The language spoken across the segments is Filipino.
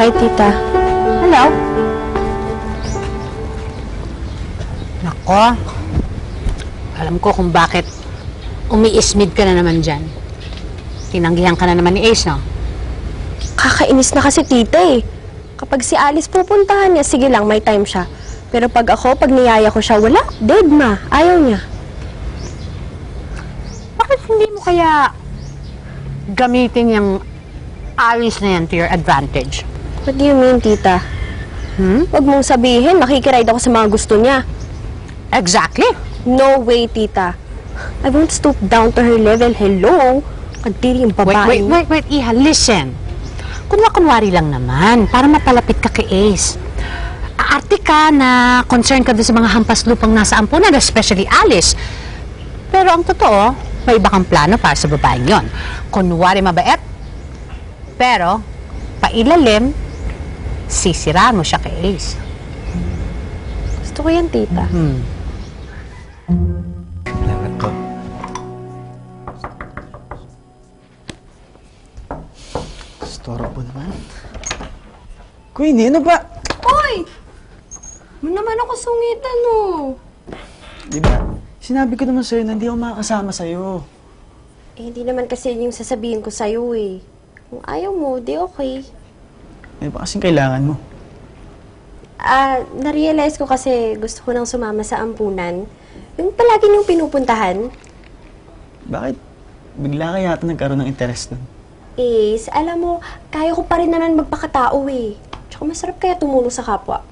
Hi, tita. Hello? Nako. Alam ko kung bakit umiismid ka na naman dyan. Tinanggihan ka na naman ni Ace, no? Kakainis na kasi tita eh. Kapag si Alice pupuntahan niya, sige lang, may time siya. Pero pag niyaya ko siya, wala. Dead ma. Ayaw niya. Bakit hindi mo kaya gamitin yung Alice na yan to your advantage? What do you mean, tita? Huwag mong sabihin, makikiride ako sa mga gusto niya. Exactly. No way, tita. I won't stoop down to her level. Hello? Kadiri yung babae. Wait, Iha, listen. Kunwari lang naman, para mapalapit ka kay Ace. Aarte ka na concerned ka doon sa mga hampas lupang nasa ampunan, especially Alice. Pero ang totoo, may iba kang plano para sa babaeng yon. Kunwari mabait, pero pailalim, sisiraan mo siya kay Ace. Gusto ko yan, tita. Salamat po. Storo po naman. Queenie, ano ba? Hoy! Mo naman ako sungitan, oh. Di ba, sinabi ko naman sa'yo na hindi ako makakasama sa'yo. Eh, hindi naman kasi yun yung sasabihin ko sa'yo, eh. Kung ayaw mo, di okay. Ano ba kasing kailangan mo? Na-realize ko kasi gusto ko nang sumama sa ampunan. Yung palagi niyong pinupuntahan. Bakit bigla ka yata nagkaroon ng interest nun? Is, alam mo, kaya ko pa rin naman magpakatao, eh. Tsaka masarap kaya tumulong sa kapwa.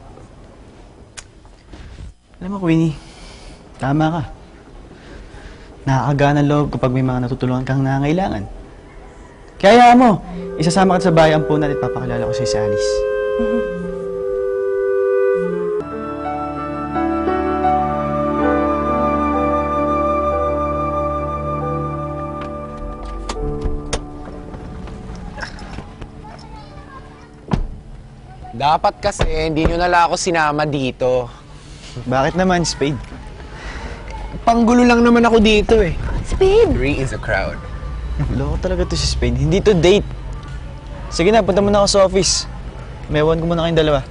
Alam mo, Queenie, tama ka. Nakakagana loob kapag may mga natutulungan kang nangangailangan. Kaya mo, isasama ka sa bahay ampunan at papakilala ko si Alice. Dapat kasi hindi nyo nala ako sinama dito. Bakit naman, Spade? Panggulo lang naman ako dito eh. Spade! Three is a crowd. Loko talaga to si Spade. Hindi to date. Sige na, punta muna ako sa office. Mewan ko muna kayong dalawa.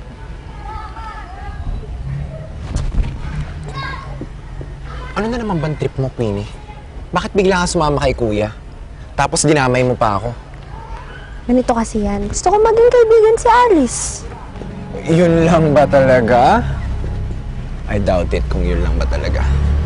Ano na naman bang trip mo, Queenie? Bakit bigla ka sumama kay Kuya? Tapos dinamay mo pa ako. Ganito kasi yan. Gusto ko maging kaibigan si Alice. Yun lang ba talaga? I doubt it kung yun lang ba talaga.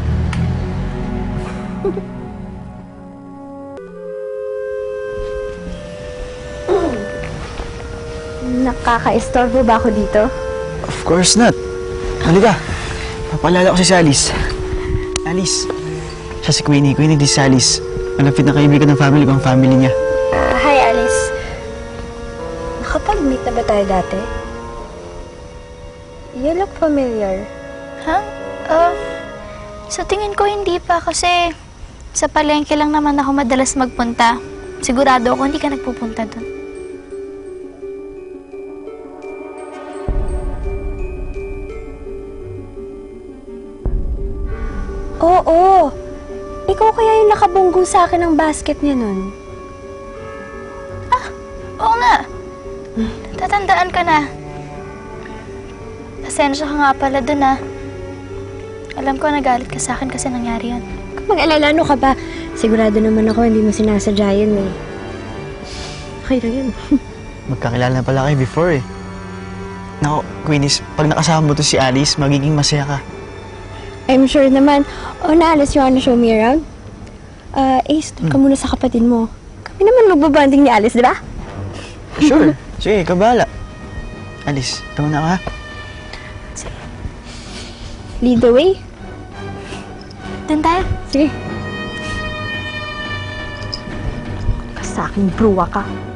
Nakaka-estorbo ba ako dito? Of course not. Halika. Papalala ko si Alice. Alice. Siya si Queenie. Queenie, di si Alice. Malapit na kaibigan ng family ko, ang family niya. Hi, Alice. Nakapag-meet na ba tayo dati? You look familiar. Ha? Sa tingin ko hindi pa kasi sa palengke lang naman ako madalas magpunta. Sigurado ako hindi ka nagpupunta doon. Oo. Ikaw kaya yung nakabunggo sa akin ng basket niya nun. Oo nga. Tatandaan ka na. Pasensya ka nga pala doon ah. Alam ko nagalit ka sa akin kasi nangyari yun. Kung mag-alala, ano ka ba? Sigurado naman ako hindi mo sinasadya yun eh. Okay lang yun. Magkakilala na pala kayo before eh. Nako, Queenie, pag nakasama mo to si Alice, magiging masaya ka. I'm sure naman. Oh, na Alice, you wanna show me around? Ace, doon ka muna sa kapatid mo. Kami naman magbabanding ni Alice, di ba? Sure. Sige, kabala. Alice, tama na ka. Lead the way. Doon tayo. Sige. Sa akin, bruwa ka.